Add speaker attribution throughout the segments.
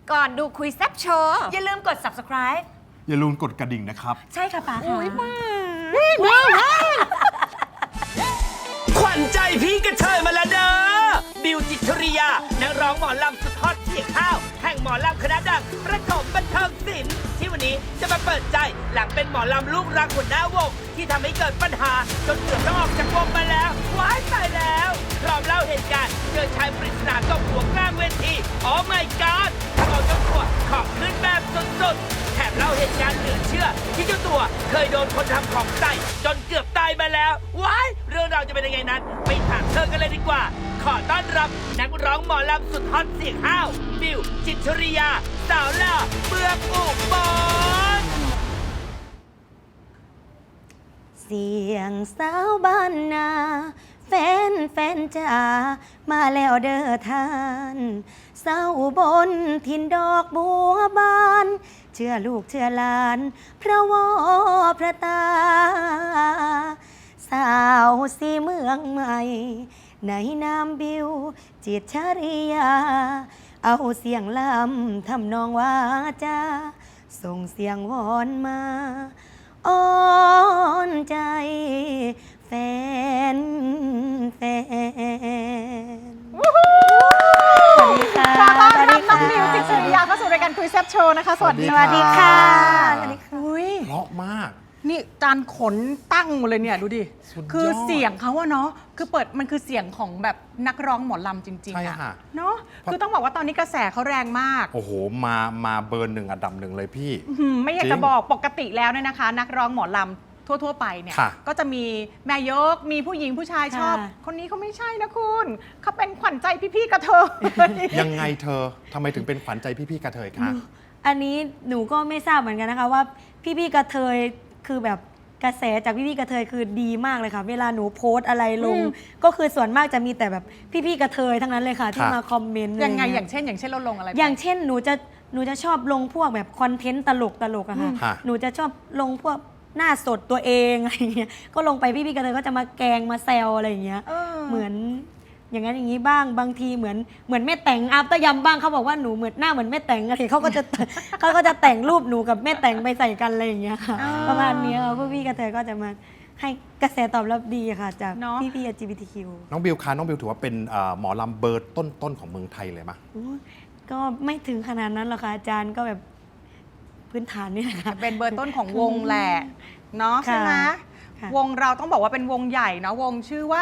Speaker 1: ก่อนดูคุยแซ่บโชว์อย่าลืมกด subscribe
Speaker 2: อย่าลืมกดกระดิ่งนะครับ
Speaker 1: ใช่ค่ะป๋าค่ะ
Speaker 3: ขวัญใจพี่กระเทยมาแล้วเด้อบิวจิตรริยานักร้องหมอลำสุดฮอตเสียงข้าวแห่งหมอลำคณะดังประถมบันเทิงศิลป์ที่วันนี้จะมาเปิดใจหลังเป็นหมอลำลูกรักหัวหน้าวงที่ทำให้เกิดปัญหาจนเกือบต้องออกจากวงมาแล้วว้ายตายแล้วพร้อมเล่าเหตุการณ์เจอชายปริศนาตบหัวกลางเวทีโอ้ my god ทำเอาเจ้าตัวขอบขึ้นแบบสุดๆแถมเล่าเหตุการณ์เหลือเชื่อที่เจ้าตัวเคยโดนคนทำของใส่จนเกือบตายมาแล้วว้ายเรื่องราวจะเป็นยังไงนั้นไปถามเธอกันเลยดีกว่าขอต้อนรับนักร้องหมอลำสุดฮอตเสียงห้าวบิวจิตรริยาสาวหล่อเมืองอุบล
Speaker 4: เสียงสาวบ้านนาแฟนจ๋ามาแล้วเด้อท่านเศร้าบนทินดอกบัวบานเชื่อลูกเชื่อหลานพระวอพระตาสาวสีเมืองใหม่ในนามบิวจิตรริยาเอาเสียงลำทำนองว่าจาส่งเสียงวอนมาอ้อนใจแฟนสวัสดีค่ะ
Speaker 5: ขอต้อนรับน้องบิวจิตรริยาเข้าสู่รายการคุยแซ่บโชว์นะคะ สวัสดี
Speaker 2: สวัสดีค่ะ
Speaker 4: สวัสดีค่ะ
Speaker 5: อุ้ย
Speaker 2: เพราะมาก
Speaker 5: นี่จานขนตั้งหมดเลยเนี่ยดูดิ
Speaker 2: สุดยอด
Speaker 5: คือเสียงเขาอะเนาะคือมันคือเสียงของแบบนักร้องหมอลำจริง
Speaker 2: ใช่
Speaker 5: ๆอะ
Speaker 2: ค่ะ
Speaker 5: เนาะคือต้องบอกว่าตอนนี้กระแสเขาแรงมาก
Speaker 2: โอ้โหมาเบอร์หนึ่งอันดับหนึ่งเลยพี่
Speaker 5: ไม่อยาก
Speaker 2: จริง
Speaker 5: จะบอกปกติแล้วเนี่ยนะคะ นักร้องหมอลำทั่วๆไปเนี่ย
Speaker 2: ค่ะ
Speaker 5: ก็จะมีแม่ยกมีผู้หญิงผู้ชายชอบ
Speaker 4: ค่ะ
Speaker 5: คนนี้เขาไม่ใช่นะคุณเขาเป็นขวัญใจพี่ๆกระเทย
Speaker 2: ยังไงเธอทำไมถึงเป็นขวัญใจพี่ๆกระเทยคะ
Speaker 4: อันนี้หนูก็ไม่ทราบเหมือนกันนะคะว่าพี่กระเทยคือแบบกระแสจากพี่กระเทยคือดีมากเลยค่ะ เวลาหนูโพสต์อะไรลง ก็คือส่วนมากจะมีแต่แบบพี่กระเทยทั้งนั้นเลยค่ะ ที่มาคอมเมนต์
Speaker 5: ยังไง
Speaker 4: ะร
Speaker 5: อย่างเช่นเราลงอะไรไป
Speaker 4: อย่างเช่นหนูจะชอบลงพวกแบบคอนเทนต์ตลกอะค่ะ
Speaker 2: ค่ะ
Speaker 4: หนูจะชอบลงพวกหน้าสดตัวเองอะไรอย่างเงี้ยก็ลงไปพี่กระเทยก็จะมาแกล้งมาแซวอะไรอย่างเงี้ย เหมือนอย่างนั้นอย่างนี้บ้างบางทีเหมือนแม่แต่งอัพตยำบ้างเขาบอกว่าหนูเหมือนหน้าเหมือนแม่แต่งอะไรเขาก็จะ เขาก็จะแต่งรูปหนูกับแม่แต่งไปใส่กันอะไรอย่างเงี้ยค่ะ ประมาณเนี้ยพวกพี่กระเทยก็จะมาให้กระแสตอบรับดีค่ะ จาก
Speaker 5: เนอะ
Speaker 4: พี่ LGBTQ
Speaker 2: น้องบิวคะน้องบิวถือว่าเป็นหมอลำเบอร์ต้นของเมืองไทยเลยมะ
Speaker 4: อุ๊ยก็ไม่ถึงขนาดนั้นหรอกค่ะอาจารย์ก็แบบพื้นฐานนี่แหละค่ะ
Speaker 5: เป็นเบอร์ต้นของวงแหละเนาะใช่ไหม
Speaker 4: ค่ะ
Speaker 5: วงเราต้องบอกว่าเป็นวงใหญ่เนาะวงชื่อว่าว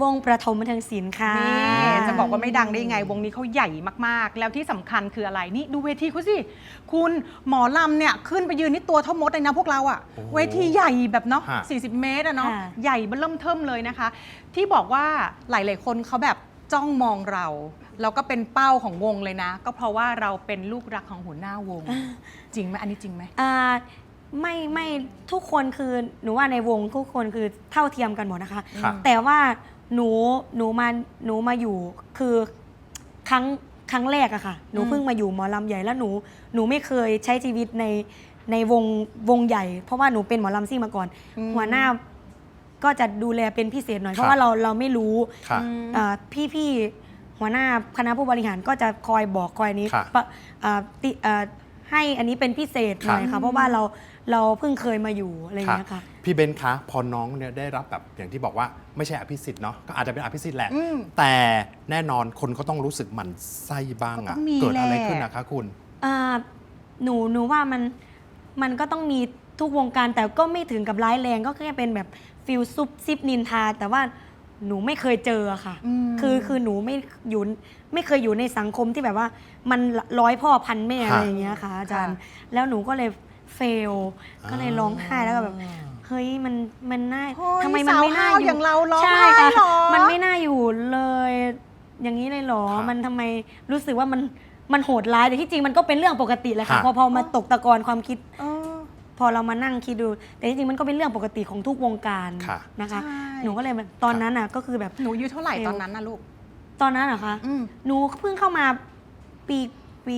Speaker 4: งประถมบันเทิงศิลป์ค่ะ
Speaker 5: นี่จะบอกว่าไม่ดังได้ยังไง วงนี้เขาใหญ่มากๆ แล้วที่สำคัญคืออะไรนี่ดูเวทีเขาสิคุณหมอลำเนี่ยขึ้นไปยืนนี่ตัวเท่ามดเลยนะพวกเราอะ
Speaker 2: โอ้โห
Speaker 5: เวทีใหญ่แบบเนาะ
Speaker 2: ฮะ
Speaker 5: 40 เมตรอะเนาะ
Speaker 4: ค่ะ
Speaker 5: ใหญ่เบิ่มเทิมเลยนะคะ ที่บอกว่าหลายๆคนเขาแบบจ้องมองเราแล้วก็เป็นเป้าของวงเลยนะ ก็เพราะว่าเราเป็นลูกรักของหัวหน้าวง จริงไหมอันนี้จริงไหม
Speaker 4: ไม่ทุกคนคือหนูว่าในวงทุกคนคือเท่าเทียมกันหมดนะคะ
Speaker 2: ครับ
Speaker 4: แต่ว่าหนูมาอยู่คือครั้งแรกอะค่ะ หนูเพิ่งมาอยู่หมอลำใหญ่แล้วหนูไม่เคยใช้ชีวิตในวงใหญ่ เพราะว่าหนูเป็นหมอลำซิ่งมาก่อน หัวหน้าก็จะดูแลเป็นพิเศษหน่อย เพราะว่าเราไม่รู้
Speaker 2: ค่ะ
Speaker 4: พี่หัวหน้าคณะผู้บริหารก็จะคอยบอกคอยนี้
Speaker 2: ค่ะ
Speaker 4: ให้อันนี้เป็นพิเศษหน่อย
Speaker 2: ค่ะ
Speaker 4: ค่ะเพราะว่าเราเพิ่งเคยมาอยู่อะไรอย่างเงี้ยค่ะ
Speaker 2: พี่เบนคะพอน้องเนี่ยได้รับแบบอย่างที่บอกว่าไม่ใช่อภิสิทธิ์เนาะก็อาจจะเป็นอภิสิทธิ์แหละ
Speaker 5: อืม
Speaker 2: แต่แน่นอนคนก็ต้องรู้สึกหมั่นไส้บ้าง
Speaker 5: ก็
Speaker 2: อะ
Speaker 5: ต้องมี
Speaker 2: เกิดอะไร
Speaker 5: แหละ
Speaker 2: ขึ้นนะคะคุณ
Speaker 4: หนูว่ามันก็ต้องมีทุกวงการแต่ก็ไม่ถึงกับร้ายแรงก็แค่เป็นแบบฟิลซุบซิบนินทาแต่ว่าหนูไม่เคยเจออะค่ะ คือหนูไม่เคยอยู่ในสังคมที่แบบว่ามันร้อยพ่อพันแม่อะไรอย่างเงี้ยค่ะอาจารย์ แล้วหนูก็เลยเฟลก็เลยร้องไห้แล้วก็แบบเฮ้ยมันน่า
Speaker 5: เฮ้ย
Speaker 4: ทำไมมันไม่น่า
Speaker 5: สาวห้าว
Speaker 4: อ
Speaker 5: อย่างเราร้อง
Speaker 4: ใช่
Speaker 5: ไห้
Speaker 4: ค่ะ
Speaker 5: เหรอ
Speaker 4: มันไม่น่าอยู่เลย อย่างนี้เลยเหรอ
Speaker 2: ครับ
Speaker 4: มันทำไมรู้สึกว่ามันโหดร้ายแต่ที่จริงมันก็เป็นเรื่องปกติแหละค่ะ
Speaker 2: ครับ
Speaker 4: พอมาตกตะกอนความคิด
Speaker 5: เออ
Speaker 4: พอเรามานั่งคิดดู แต่จริงๆมันก็เป็นเรื่องปกติของทุกวงการ
Speaker 2: ค่ะ
Speaker 4: นะคะ
Speaker 5: ใช่
Speaker 4: หนูก็เลยแบบตอนนั้นอ่ะก็คือแบบ
Speaker 5: หนูอายุเท่าไหร่ตอนนั้นนะลูก
Speaker 4: ตอนนั้นเหรอคะ
Speaker 5: อืม
Speaker 4: หนูเพิ่งเข้ามาปี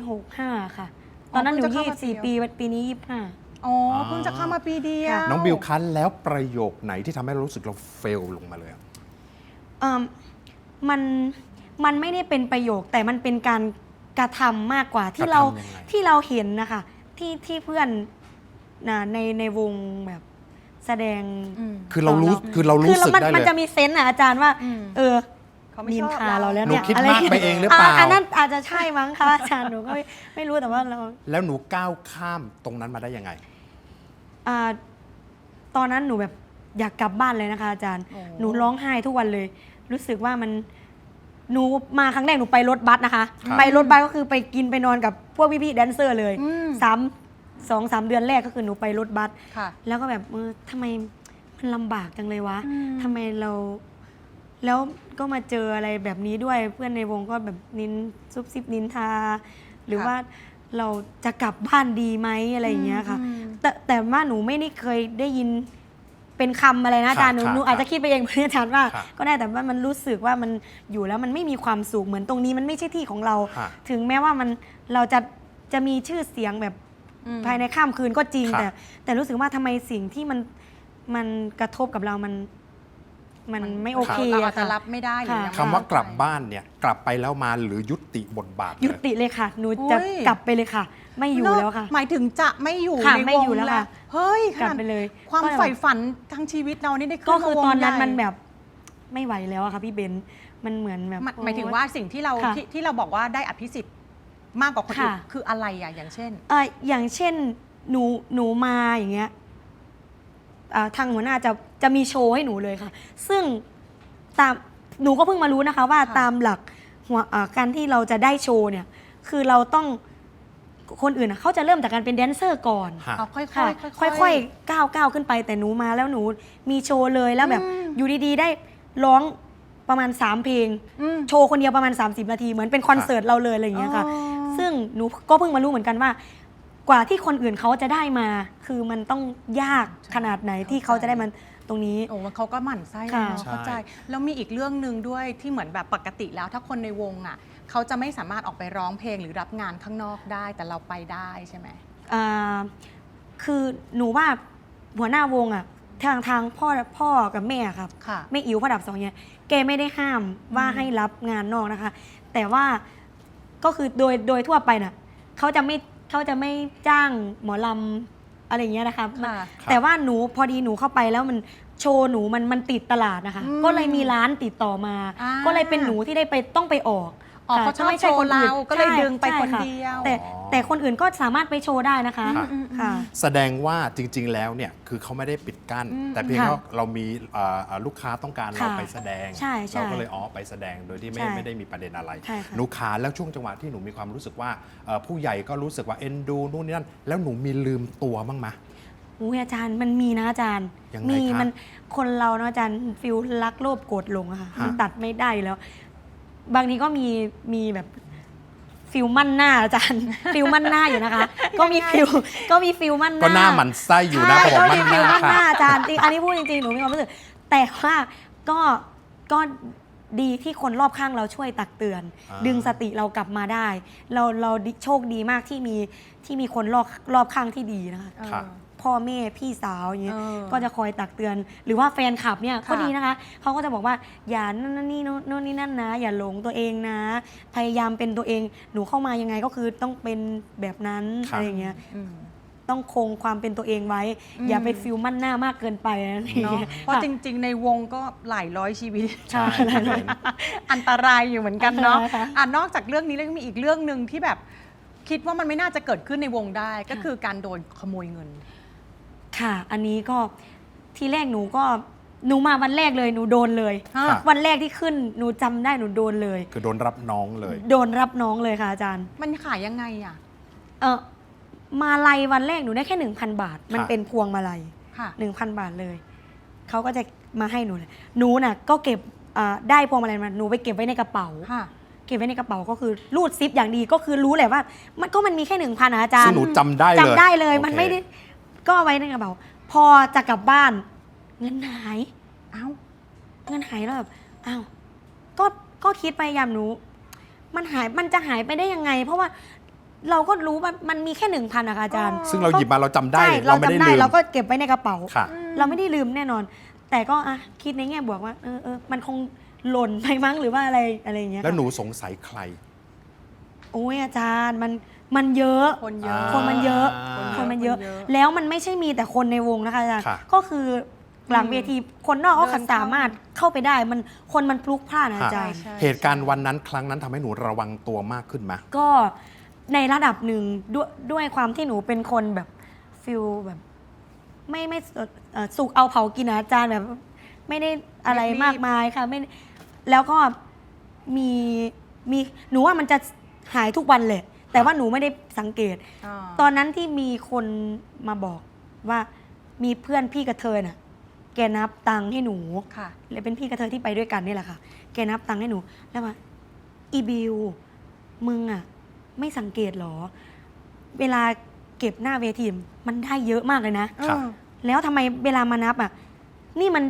Speaker 4: 65ค่ะ ตอนนั้นหนู
Speaker 5: เพิ่งจะเข้ามาปี
Speaker 4: 24 ปีปีนี้25
Speaker 5: อ๋อเพิ่งจะเข้ามาปีเดียว
Speaker 2: น้องบิวคันแล้วประโยคไหนที่ทำให้เรารู้สึกเราเฟลลงมาเลยอะ
Speaker 4: มันไม่ได้เป็นประโยคแต่มันเป็นการกระทำมากกว่าที่
Speaker 2: กระ
Speaker 4: เรา
Speaker 2: ทำยังไง
Speaker 4: ที่เราเห็นนะคะที่เพื่อนในวงแบบแสดง
Speaker 2: คือเรารู้
Speaker 4: คือ
Speaker 2: สึกได้
Speaker 4: มัน
Speaker 2: เลย
Speaker 4: จะมีเซนส์อาจารย์ว่า เออ
Speaker 5: เขาไม่
Speaker 4: นิ
Speaker 5: ช
Speaker 4: น
Speaker 5: อบ
Speaker 4: ทาเราแล้ว
Speaker 2: หนู
Speaker 4: เนี่ย
Speaker 2: คิด
Speaker 4: อะไร
Speaker 2: มากไปเองหรือเปล่า
Speaker 4: อันนั้นอาจจะใช่มั้งคะอาจารย์หนูก็ไม่รู้แต่ว่าเรา
Speaker 2: แล้วหนูก้าวข้ามตรงนั้นมาได้ยังไง
Speaker 4: ตอนนั้นหนูแบบอยากกลับบ้านเลยนะคะอาจารย์
Speaker 5: โอ้
Speaker 4: หนูร้องไห้ทุกวันเลย รู้สึกว่าหนูมาครั้งแรกหนูไปรถบัสนะคะ
Speaker 2: ครับ
Speaker 4: ไปรถบัสก็คือไปกินไปนอนกับพวกพี่ๆแดนเซอร์เลย 2-3 เดือนแรกก็คือหนูไปรถบัส
Speaker 5: ค่ะ
Speaker 4: แล้วก็แบบทำไมมันลำบากจังเลยวะทำไมเรา แล้วก็มาเจออะไรแบบนี้ด้วยเพื่อนในวงก็แบบนินซุบซิบนินทา หรือ
Speaker 5: ค่ะ
Speaker 4: ว่าเราจะกลับบ้านดีไหมอะไรอย่างเงี้ยค่ะ แต่ว่าหนูไม่ได้เคยได้ยินเป็นคำอะไรนะอาจารย์หนู
Speaker 2: ครับ
Speaker 4: หนูอาจจะคิดไปเองอาจารย์ว่า
Speaker 2: ครับ
Speaker 4: ก็ได้แต่ว่ามันรู้สึกว่ามันอยู่แล้วมันไม่มีความสุขเหมือนตรงนี้มันไม่ใช่ที่ของเรา
Speaker 2: ฮะ
Speaker 4: ถึงแม้ว่าเราจะมีชื่อเสียงแบบภายในข้ามคืนก็จริง
Speaker 2: ครับ
Speaker 4: แต่รู้สึกว่าทำไมสิ่งที่มันกระทบกับเรามันไม่โอเค
Speaker 5: เราอา
Speaker 4: อะ
Speaker 5: จจะ
Speaker 4: ค่ะ
Speaker 5: รับไม่ได้หรือยัง
Speaker 2: คำว่ากลับบ้านเนี่ยกลับไปแล้วมาหรือยุติบทบาทเลย
Speaker 4: ยุติเลยค่ะ หนูจะกลับไปเลยค่ะ ไม่อยู่แล้วค่ะ
Speaker 5: หมายถึงจะไม่อยู่
Speaker 4: ค่ะ
Speaker 5: ใน
Speaker 4: ไม่
Speaker 5: วง
Speaker 4: อยู่แล้วค่ะ
Speaker 5: เฮ้ย
Speaker 4: กลับ
Speaker 5: ขนาด
Speaker 4: ไปเลย
Speaker 5: ความ
Speaker 4: ก็แบบ
Speaker 5: ใฝ่ฝันทั้งชีวิตเรานี่ได้ขึ้น
Speaker 4: ก็คือ
Speaker 5: มาวง
Speaker 4: ตอนนั้น
Speaker 5: ใหญ่
Speaker 4: มันแบบไม่ไหวแล้วอะค่ะพี่เบนซ์มันเหมือนแบบ
Speaker 5: หมายถึงว่าสิ่งที่เรา
Speaker 4: ค่ะ
Speaker 5: ที่เราบอกว่าได้อภิสิทธิ์มากกว่าคนอื่น
Speaker 4: ค่ะ
Speaker 5: คืออะไรอ่ะอย่างเช่น
Speaker 4: อย่างเช่นหนูมาอย่างเงี้ยทางหัวหน้าจะมีโชว์ให้หนูเลยค่ะ ซึ่งตามหนูก็เพิ่งมารู้นะคะว่า
Speaker 5: ค่ะ
Speaker 4: ตามหลักการที่เราจะได้โชว์เนี่ยคือเราต้องคนอื่นเขาจะเริ่มจากการเป็นแดนเซอร์ก่อน
Speaker 2: ฮะ
Speaker 5: เอาค่อย
Speaker 4: ค่ะ
Speaker 5: ๆ
Speaker 4: ค่อยๆก้าวขึ้นไปแต่หนูมาแล้วหนูมีโชว์เลยแล้วแบบอยู่ดีๆได้ร้องประมาณ3เพลง โชว์คนเดียวประมาณ30 นาทีเหมือนเป็นคอนเสิร์ตเราเลยอะไรอย่างเงี้ยค่ะ ซึ่งหนูก็เพิ่งมารู้เหมือนกันว่า กว่าที่คนอื่นเขาจะได้มา คือมันต้องยากขนาดไหนที่เขาจะได้มันตรงนี้
Speaker 5: โอ้เขาก็หมั่นไส้
Speaker 4: ค่ะ
Speaker 5: เนาะเข้าใจ แล้วมีอีกเรื่องหนึ่งด้วยที่เหมือนแบบปกติแล้วถ้าคนในวงอ่ะเขาจะไม่สามารถออกไปร้องเพลงหรือรับงานข้างนอกได้แต่เราไปได้ใช่ไหม
Speaker 4: คือหนูว่าหัวหน้าวงอ่ะทางพ่อกับแม่ครับ
Speaker 5: ค่ะ
Speaker 4: แม่อิ๋วพ่อดับสองเนี่ยแกไม่ได้ห้ามว่าให้รับงานนอกนะคะ แต่ว่าก็คือโดยทั่วไปน่ะเขาจะไม่จ้างหมอลำอะไรอย่างเงี้ยนะคะ
Speaker 5: ค่ะ
Speaker 4: แต่ว่าหนูพอดีหนูเข้าไปแล้วมันโชว์หนูมันติดตลาดนะคะ ก็เลยมีร้านติดต่อมา ก็เลยเป็นหนูที่ได้ไปต้องไปออก
Speaker 5: อ๋อ
Speaker 4: ค่ะ
Speaker 5: เขาชอบ
Speaker 4: ไม่
Speaker 5: โช
Speaker 4: ใช่
Speaker 5: ว์
Speaker 4: คนอื่น
Speaker 5: เราก็เลย
Speaker 4: ใช่
Speaker 5: ดึงไป
Speaker 4: ใช่
Speaker 5: คน
Speaker 4: ค่ะ
Speaker 5: เดียว
Speaker 4: แต่คนอื่นก็สามารถไปโชว์ได้นะคะ
Speaker 2: ค่ะ
Speaker 4: ค่ะ
Speaker 2: แสดงว่าจริง ๆ แล้วเนี่ยคือเขาไม่ได้ปิดกั้น แต่เพียง
Speaker 4: ค่ะ
Speaker 2: ว่าเรามีลูกค้าต้องการเรา
Speaker 4: ค่ะ
Speaker 2: ไปแสดง
Speaker 4: ใช่
Speaker 2: เราก็เลยไปแสดงโดยที่
Speaker 4: ใช่
Speaker 2: ไม่ได้มีประเด็นอะไร
Speaker 4: ใช่ค่ะ
Speaker 2: หนูขาแล้วช่วงจังหวะที่หนูมีความรู้สึกว่าผู้ใหญ่ก็รู้สึกว่าเอ็นดูนู่นนี่นั่นแล้วหนูมีลืมตัวบ้างไหม
Speaker 4: อุ้ยอาจารย์มันมีนะอาจารย์
Speaker 2: ยังไง
Speaker 4: มี
Speaker 2: คะ
Speaker 4: มันคนเราเนาะอาจารย์ฟิลรักโลภโกรธหลงอะค่ะ
Speaker 2: ฮะ
Speaker 4: มันตัดไม่ได้อยู่แล้ว บางทีก็มีแบบฟิลมั่นหน้าอาจารย์ ฟิลมั่นหน้าอยู่นะคะ ก็มีฟิลมั่นหน้า
Speaker 2: ก็หน้าหมันไส้อยู่นะ
Speaker 4: ใช่
Speaker 2: ผม
Speaker 4: ก็
Speaker 2: มั
Speaker 4: มี
Speaker 2: น
Speaker 4: ฟิล
Speaker 2: หน้า
Speaker 4: มั่นหน้า
Speaker 2: ค่ะ
Speaker 4: อาจารย์จริงอันนี้พูดจริงๆหนูมีความรู้สึกแต่ว่าก็ดีที่คนรอบข้างเราช่วยตักเตือน ดึงสติเรากลับมาได้ เราโชคดีมากที่มีคนรอบข้างที่ดีนะคะ
Speaker 2: ค่ะ
Speaker 4: พ่อแม่พี่สาวอย่างเงี้ย
Speaker 5: เออ
Speaker 4: ก็จะคอยตักเตือน หรือว่าแฟนคลับเนี่ย
Speaker 5: ค่ะ
Speaker 4: ก็ดีนะคะเขาก็จะบอกว่าอย่านั่นนี่โน่นนี่นั่นนะ อย่าหลงตัวเองนะ พยายามเป็นตัวเองหนูเข้ามายังไงก็คือต้องเป็นแบบนั้น
Speaker 2: ค่ะ
Speaker 4: อะไรอย่างเงี้ย
Speaker 5: อืม
Speaker 4: ต้องคงความเป็นตัวเองไว้ อย่าไปฟิลมั่นหน้ามากเกินไปอะไรอย่าง
Speaker 5: เนาะ
Speaker 4: เงี้ย
Speaker 5: เพราะ
Speaker 4: ค่ะ
Speaker 5: จริง ๆ ในวงก็หลายร้อยชีวิต
Speaker 4: ใช่
Speaker 2: ใช่ครับ
Speaker 5: อันตรายอยู่เหมือนกันเนาะ
Speaker 4: ใช่ค่ะ
Speaker 5: นอกจากเรื่องนี้แล้วยังมีอีกเรื่องหนึ่งที่แบบคิดว่ามันไม่น่าจะเกิดขึ้นในวงได้ ก็คือการโดนขโมยเงิน
Speaker 4: ค่ะ อันนี้ก็ทีแรกหนูมาวันแรกเลยหนูโดนเลย
Speaker 5: ค่ะ
Speaker 4: วันแรกที่ขึ้นหนูจำได้หนูโดนเลย
Speaker 2: คือโดนรับน้องเลย
Speaker 4: โดนรับน้องเลยค่ะอาจารย์
Speaker 5: มันขายยังไงอ่ะ
Speaker 4: มาลัยวันแรกหนูได้แค่ 1,000 บาท มัน
Speaker 2: ค่ะ
Speaker 4: เป็นพวงมาลัย
Speaker 5: ค่ะ
Speaker 4: 1,000 บาทเลย เขาก็จะมาให้หนูเลยหนูน่ะก็เก็บได้พวงมาลัยมาหนูไปเก็บไว้ในกระเป๋า
Speaker 5: ค่ะ
Speaker 4: เก็บไว้ในกระเป๋าก็คือรูดซิปอย่างดีก็คือรู้แหละว่า มันมีแค่ 1,000นะอาจาร
Speaker 2: ซึ่ง
Speaker 4: ย์
Speaker 2: หนูจำได้เลย
Speaker 4: จำได้เลย
Speaker 2: โอเค
Speaker 4: มันไม่ได้ก็เอาไว้ในกระเป๋า พอจะกลับบ้าน เงินหาย
Speaker 5: เอ้า
Speaker 4: เงินหายแล้วแบบอ้าวก็คิดไปยามหนู มันจะหายไปได้ยังไง เพราะว่าเราก็รู้ว่ามันมีแค่ 1,000นะคะอาจารย์
Speaker 2: ซึ่งเราหยิบมาเราจำได้
Speaker 4: ใช่
Speaker 2: เลย
Speaker 4: เรา
Speaker 2: เราไม่ได้
Speaker 4: จำได้
Speaker 2: ลืม
Speaker 4: เราก็เก็บไว้ในกระเป๋า
Speaker 2: ค่ะ
Speaker 4: เราไม่ได้ลืมแน่นอน แต่ก็คิดในแง่บวกว่ามันคงหล่นไปมั้งหรือว่าอะไรอย่างเงี้ย
Speaker 2: แล้ว
Speaker 4: ค่ะ
Speaker 2: หนูสงสัยใคร
Speaker 4: โอ้ยอาจารย์มันเยอะ
Speaker 5: คนเยอะ
Speaker 4: คนมันเยอะ
Speaker 2: อ่า
Speaker 4: คนมันเยอะ
Speaker 5: คนเยอะ
Speaker 4: แล้วมันไม่ใช่มีแต่คนในวงนะคะอาจารย์
Speaker 2: ค่ะ
Speaker 4: ก็คือหลังเวทีคนนอกก็
Speaker 5: เดินเข้า
Speaker 4: สามารถเข้าไปได้คนมันพลุกพล่านอะอาจารย์
Speaker 5: ใช่
Speaker 2: เหตุการณ์วันนั้นครั้งนั้นทำให้หนูระวังตัวมากขึ้นไหม
Speaker 4: ก็ในระดับหนึ่งด้วยความที่หนูเป็นคนแบบฟิลแบบไม่สุกเอาเผากินอะอาจารย์แบบ ไม่ได้อะไร
Speaker 5: รีบๆ
Speaker 4: มากมายค่ะไม่แล้วก็มีหนูว่ามันจะหายทุกวันเลยแต่ว่าหนูไม่ได้สังเกต ตอนนั้นที่มีคนมาบอกว่ามีเพื่อนพี่กระเทยน่ะ แกนับตังค์ให้หนู
Speaker 5: ค่ะ
Speaker 4: เลยเป็นพี่กระเทยที่ไปด้วยกันนี่แหละค่ะ แกนับตังค์ให้หนู แล้วว่าอีบิวมึงอ่ะ ไม่สังเกตหรอ เวลาเก็บหน้าเวทีมันได้เยอะมากเลยนะ
Speaker 2: ค่ะ
Speaker 4: แล้วทำไมเวลามานับอ่ะ นี่มัน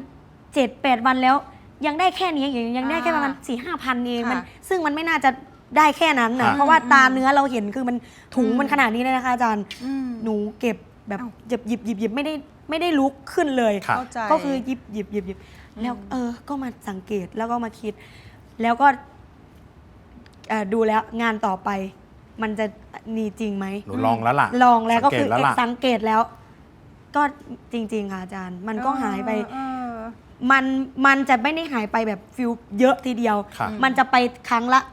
Speaker 4: 7-8 วันแล้วยังได้แค่นี้ยังได้แค่ประมาณ 4-5 พันเองมัน
Speaker 5: ค่ะ
Speaker 4: ซึ่งมันไม่น่าจะได้แค่นั้นนะ
Speaker 2: ค่ะ
Speaker 4: เพราะว่าตาเนื้อเราเห็นคือมันถุงมันขนาดนี้เลยนะคะอาจารย์
Speaker 5: อืม
Speaker 4: หนูเก็บแบบ
Speaker 5: เอ้า
Speaker 4: หยิบไม่ได้ลุกขึ้นเลย
Speaker 2: ค่ะ
Speaker 5: เข้าใจ
Speaker 4: ก็คือหยิบแล้วก็มาสังเกตแล้วก็มาคิด แล้วก็ดูแล้วงานต่อไป มันจะมีจริงไหม
Speaker 2: หนูลองแล้วล่ะ
Speaker 4: ลองแล้วก็คือ
Speaker 2: สังเกตแล้วล่ะ
Speaker 4: สังเกตแล้ว ก็จริง ๆ ค่ะอาจารย์ มันก็หายไป
Speaker 5: เออ
Speaker 4: มันจะไม่ได้หายไปแบบฟิลเยอะทีเดียว
Speaker 2: ค่ะ
Speaker 4: มันจะไปครั้งละ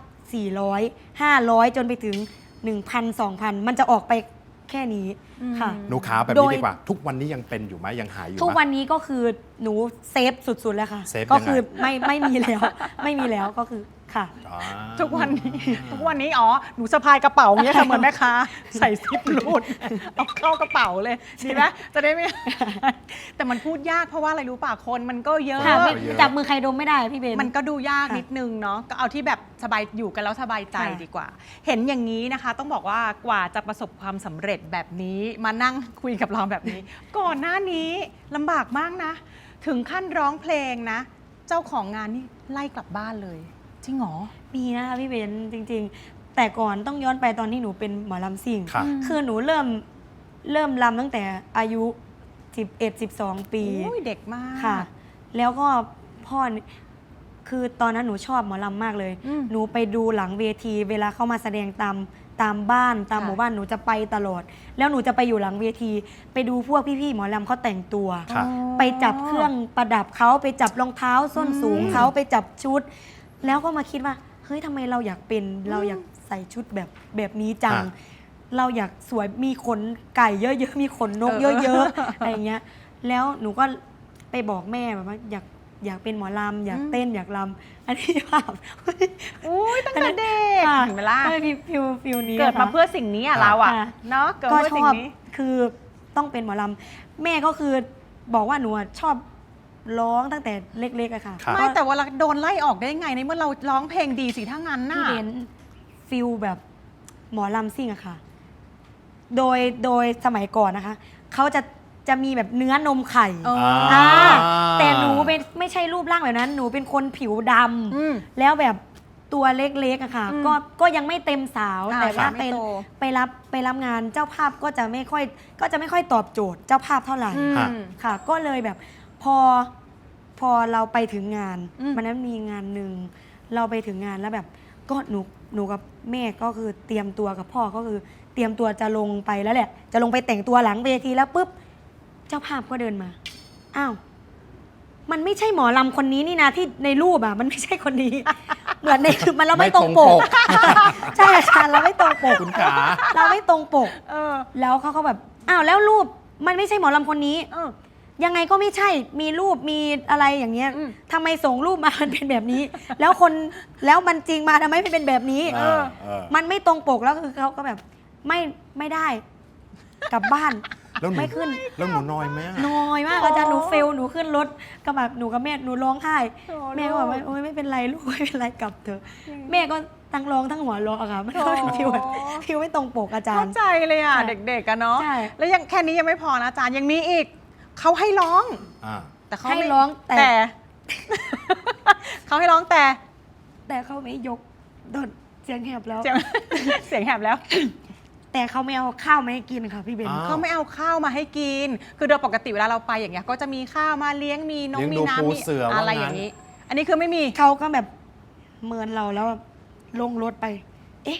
Speaker 4: 400 500 จนไปถึง 1,000 2,000 มันจะออกไปแค่นี้ค่ะ
Speaker 2: หนูขาแบบ
Speaker 4: โด
Speaker 2: นี้
Speaker 4: ย
Speaker 2: ดีกว่า ทุกวันนี้ยังเป็นอยู่ไหมยังหายอยู่ไหม
Speaker 4: ทุกวันนี้ก็คือหนูเซฟสุดๆแล้วค่ะ
Speaker 2: เซฟ
Speaker 4: ก็
Speaker 2: ยังไง
Speaker 4: คือไม่มีแล้ว ไม่มีแล้วก็คือค่ะ
Speaker 2: อ่า
Speaker 5: ทุกวันนี้อ๋อหนูสะพายกระเป๋าอย่างเงี้ยค่ะเหมือนแม่ค้าใส่ซิปรูดเอาเข้ากระเป๋าเลยดีไหมจะได้ไม่ แต่มันพูดยากเพราะว่าอะไรรู้ป่ะคนมันก็เยอะ
Speaker 4: ค่ะไม่
Speaker 2: เยอะ
Speaker 4: จับมือใครดมไม่ได้พี่เบน
Speaker 5: มันก็ดูยาก
Speaker 4: ค่ะ
Speaker 5: นิดนึงเนาะก็เอาที่แบบสบายอยู่กันแล้วสบายใจ
Speaker 4: ค่ะ
Speaker 5: ดีกว่า เห็นอย่างนี้นะคะ ต้องบอกว่ากว่าจะประสบความสำเร็จแบบนี้มานั่งคุยกับเราแบบนี้ ก่อนหน้านี้ลำบากมากนะ ถึงขั้นร้องเพลงนะ เจ้าของงานนี่ไล่กลับบ้านเลยจริงเหรอ
Speaker 4: มีนะคะพี่เบนจริง ๆ แต่ก่อนต้องย้อนไปตอนที่หนูเป็นหมอลำซิ่ง
Speaker 2: ค่ะ
Speaker 4: คือหนูเริ่มลำตั้งแต่อายุ 11-12 ปี
Speaker 5: อุ้ยเด็กมาก
Speaker 4: ค่ะ แล้วก็พ่อนี่คือตอนนั้นหนูชอบหมอลำมากเลย
Speaker 5: อืม
Speaker 4: หนูไปดูหลังเวที เวลาเข้ามาแสดงตามบ้านตาม
Speaker 5: ค่ะ
Speaker 4: หมู่บ้านหนูจะไปตลอด แล้วหนูจะไปอยู่หลังเวที ไปดูพวกพี่ๆหมอลำเขาแต่งตัว
Speaker 2: ค่ะ
Speaker 4: ไปจับเครื่องประดับเขาไปจับรองเท้าส้นสูงเขาไปจับชุด แล้วก็มาคิดว่าเฮ้ยทำไมเราอยากเป็นเราอยากใส่ชุดแบบนี้จัง
Speaker 2: ค่ะ
Speaker 4: เราอยากสวยมีขนไก่เยอะๆมีขนนกเยอะๆอะไรอย่างเงี้ย แล้วหนูก็ไปบอกแม่แบบว่าอยากเป็นหมอลำอยากเต้นอยากลำอันนี้ภาพ
Speaker 5: อุ้ยตั้งแต่เด็ก
Speaker 4: ค่ะ
Speaker 5: เห็นไหมล่ะ
Speaker 4: ฟิวนี้
Speaker 5: เกิดมา
Speaker 4: นะคะ
Speaker 5: เพื่อสิ่งนี้อ่ะเราอ่ะ
Speaker 4: ค่ะ
Speaker 5: เนาะเกิด
Speaker 4: ก็
Speaker 5: เพื่อ
Speaker 4: ช
Speaker 5: สิ่ง
Speaker 4: อบ
Speaker 5: นี้
Speaker 4: คือต้องเป็นหมอลำแม่ก็คือบอกว่าหนูอะชอบร้องตั้งแต่เล็กๆอะค่ะ
Speaker 2: ครับ
Speaker 5: ไม่แต่ว่าเราโดนไล่ออกได้ไงในเมื่อเราร้องเพลงดีสิถ้างั้นน่ะ
Speaker 4: พี่เบนฟิลแบบหมอลำซิ่งอะค่ะ โดยสมัยก่อนนะคะเขาจะมีแบบเนื้อนมไข่
Speaker 5: เออ
Speaker 4: อ่าแต่หนูเป็นไม่ใช่รูปร่างแบบนั้น หนูเป็นคนผิวด
Speaker 5: อืม
Speaker 4: ำแล้วแบบตัวเล็กๆอะค่ะ
Speaker 5: อืม
Speaker 4: ก็ยังไม่เต็มสาว
Speaker 5: อ่า
Speaker 4: แต่ว่า
Speaker 5: ไม่โต
Speaker 4: ไปรับงานเจ้าภาพก็จะไม่ค่อยตอบโจทย์เจ้าภาพเท่าไหร่
Speaker 5: อืม
Speaker 2: ค่ะ
Speaker 4: ค่ะ ก็เลยแบบพอเราไปถึงงาน
Speaker 5: อืม
Speaker 4: วันนั้นมีงานหนึ่งเราไปถึงงานแล้วแบบก็หนูกับแม่ก็คือเตรียมตัวกับพ่อก็คือเตรียมตัวจะลงไปแล้วแหละ จะลงไปแต่งตัวหลังเวทีแล้วปุ๊บเจ้าภาพก็เดินมาอ้าวมันไม่ใช่หมอลำคนนี้นี่นะที่ในรูปอ่ะมันไม่ใช่คนนี้ เหมือนในคือมันเราไม่ตรงปก ใช่ค่ะเราไม่ตรงปก
Speaker 2: คุณขา
Speaker 4: เราไม่ตรงปก
Speaker 5: เออ
Speaker 4: แล้วเขาก็แบบอ้าวแล้วรูปมันไม่ใช่หมอลำคนนี้
Speaker 5: เออ
Speaker 4: ยังไงก็ไม่ใช่ มีรูป มีอะไรอย่างเงี้ย
Speaker 5: อืม
Speaker 4: ทำไมส่งรูปมา มันเป็นแบบนี้ แล้วมันจริงมาทำไมไม่เป็นแบบนี้
Speaker 2: เออ
Speaker 4: มันไม่ตรงปกแล้วคือเขาก็แบบไม่ได้ กลับบ้าน
Speaker 2: แล้วหนู
Speaker 4: ไม่ขึ้น
Speaker 2: แล้วหนูน้อยไหมอะ
Speaker 4: น้อยมากอาจารย์หนูเฟลหนูขึ้นรถก็แบบหนูกับแม่หนูร้องไห้
Speaker 5: โอ้
Speaker 4: แม่ก็บอกว่าโอ๊ยไม่เป็นไรลูกไม่เป็นไรกลับเถอะแม่ก็ทั้งร้องทั้งหัวเราะอะค่ะมันก็เป็นฟิวแบบฟิวไม่ตรงปกอาจาร
Speaker 5: เข้า
Speaker 4: ย์
Speaker 5: ใจเลยอ่ะ
Speaker 4: ใช่
Speaker 5: เด็กๆกันเนาะ
Speaker 4: ใช่
Speaker 5: แล้วยังแค่นี้ยังไม่พอนะอาจารย์ยังมีอีกเขาให้ร้อง
Speaker 2: อ่า
Speaker 5: แต่เขา
Speaker 4: ให้
Speaker 5: ไม่
Speaker 4: ร้องแต่
Speaker 5: เขาให้ร้องแต่
Speaker 4: แต่เขาไม่ยกโดนเสียงแหบแล้ว
Speaker 5: เสียง เสียงแหบแล้ว
Speaker 4: แต่เขาไม่เอาข้าวมาให้กินค่ะพี่เบน
Speaker 2: อ้าว
Speaker 5: เขาไม่เอาข้าวมาให้กิน คือโดยปกติเวลาเราไปอย่างเงี้ยก็จะมีข้าวมาเลี้ยงมีน้อง
Speaker 2: เลี้ยง
Speaker 5: มี
Speaker 2: ดู
Speaker 5: น้ำ
Speaker 2: ปู
Speaker 5: มี
Speaker 2: เสือว่างั้น
Speaker 5: อะไรอย่างนี้ อันนี้คือไม่มี
Speaker 4: เขาก็แบบเมินเราแล้วลงรถไป เอ๊ะ